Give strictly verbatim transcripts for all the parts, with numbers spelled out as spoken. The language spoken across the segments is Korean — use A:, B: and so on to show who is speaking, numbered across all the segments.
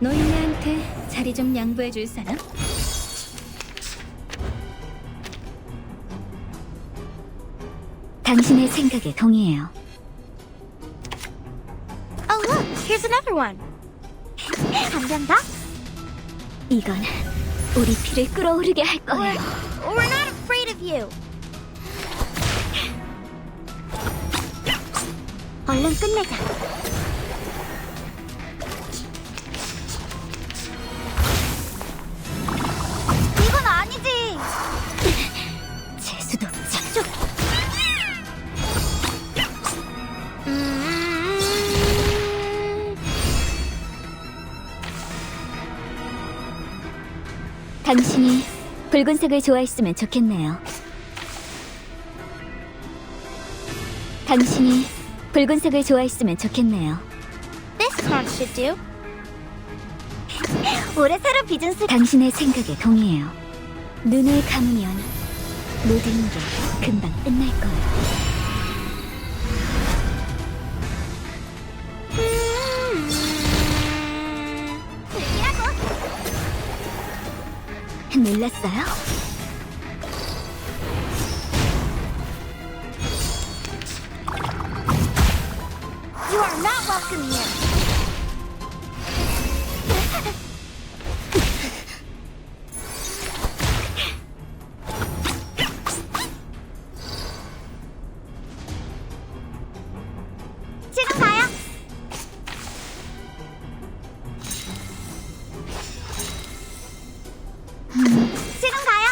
A: 노인네한테 자리 좀 양보해 줄 사람?
B: 당신의 생각에 동의해요.
C: Oh look, here's another one. 감정다?
B: 이건 우리 피를 끓어오르게 할
C: We're,
B: 거예요.
C: we're not afraid of you. 얼른 끝내자. 이건 아니지.
B: 재수도 없죠.
C: 쭉. 음...
B: 당신이 붉은색을 좋아했으면 좋겠네요. 당신이 붉은색을 좋아했으면 좋겠네요.
C: This card should do. 올해 새로 빚은 수.
B: 당신의 생각에 동의해요. 눈을 감으면 모든 게 금방 끝날 거예요.
C: 음...
B: 놀랐어요?
C: You are not welcome here. 지금 가요. 지금 가요.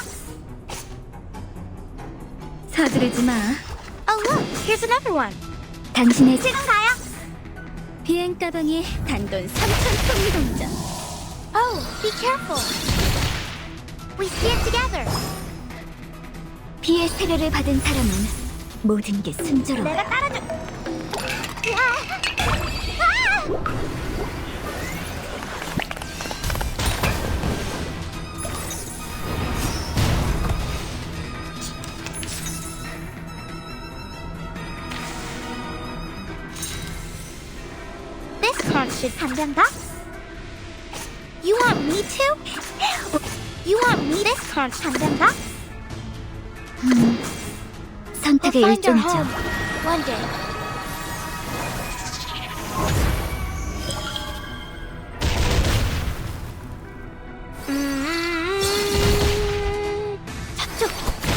A: 서두르지 마.
C: Oh look, here's another one.
B: 당신의
C: 지금 가요.
A: 비행 가방에 단돈 삼천 통 동전.
C: Oh, be careful. We see it together.
B: 피의 세례를 받은 사람은 모든 게 순조로워요.
C: 내가 따라줘. 아! 아! This card should 감정다? You want me to? You want me this card 감정다?
B: 음, 선택의
C: We'll find our
B: 일종이죠.
C: home one day. 음, 저쪽.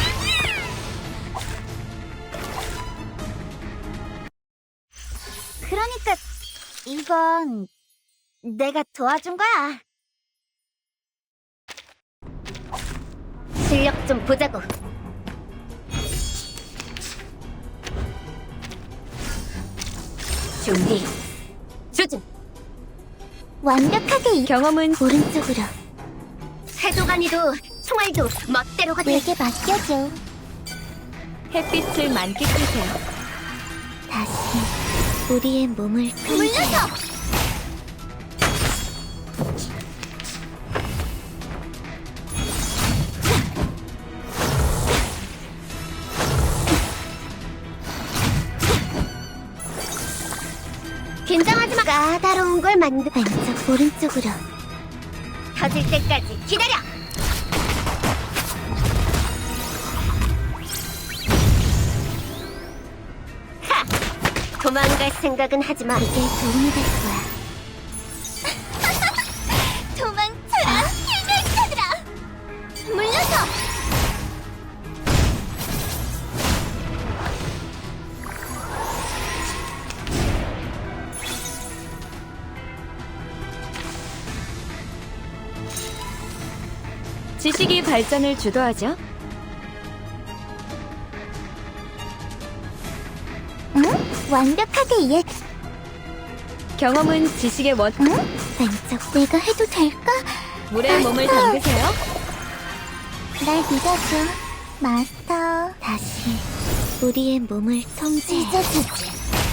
C: 그러니까 이건 내가 도와준 거야.
B: 실력 좀 보자고. 준비. 조준.
C: 완벽하게 이
A: 경험은
C: 오른쪽으로
B: 해도간이도 총알도 멋대로 가네.
C: 내게 맡겨줘.
A: 햇빛을 만끽하세요.
C: 다시 우리의 몸을 물려줘.
B: 긴장하지 마.
C: 까다로운 걸 만들. 왼쪽 오른쪽으로
B: 터질 때까지 기다려. 하! 도망갈 생각은 하지 마.
C: 이게 도움이 될 거야. 도망쳐라, 해결사들아. 물려줘.
A: 지식이 발전을 주도하죠.
C: 응? 완벽하게 이해.
A: 경험은 지식의 원.
C: 응? 왼쪽 내가 해도 될까?
A: 물에 몸을 담그세요.
C: 날 믿어줘, 마스터. 다시 우리의 몸을 통제. 찢어주지.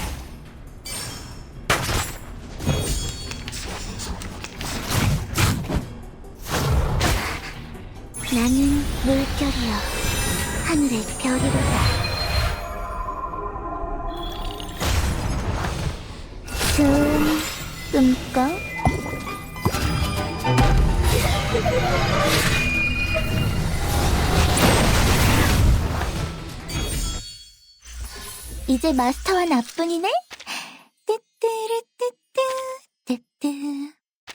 C: 나는 물결이여, 하늘의 별이로다. 좋은 꿈꿔. 이제 마스터와 나뿐이네? 뜨뜨르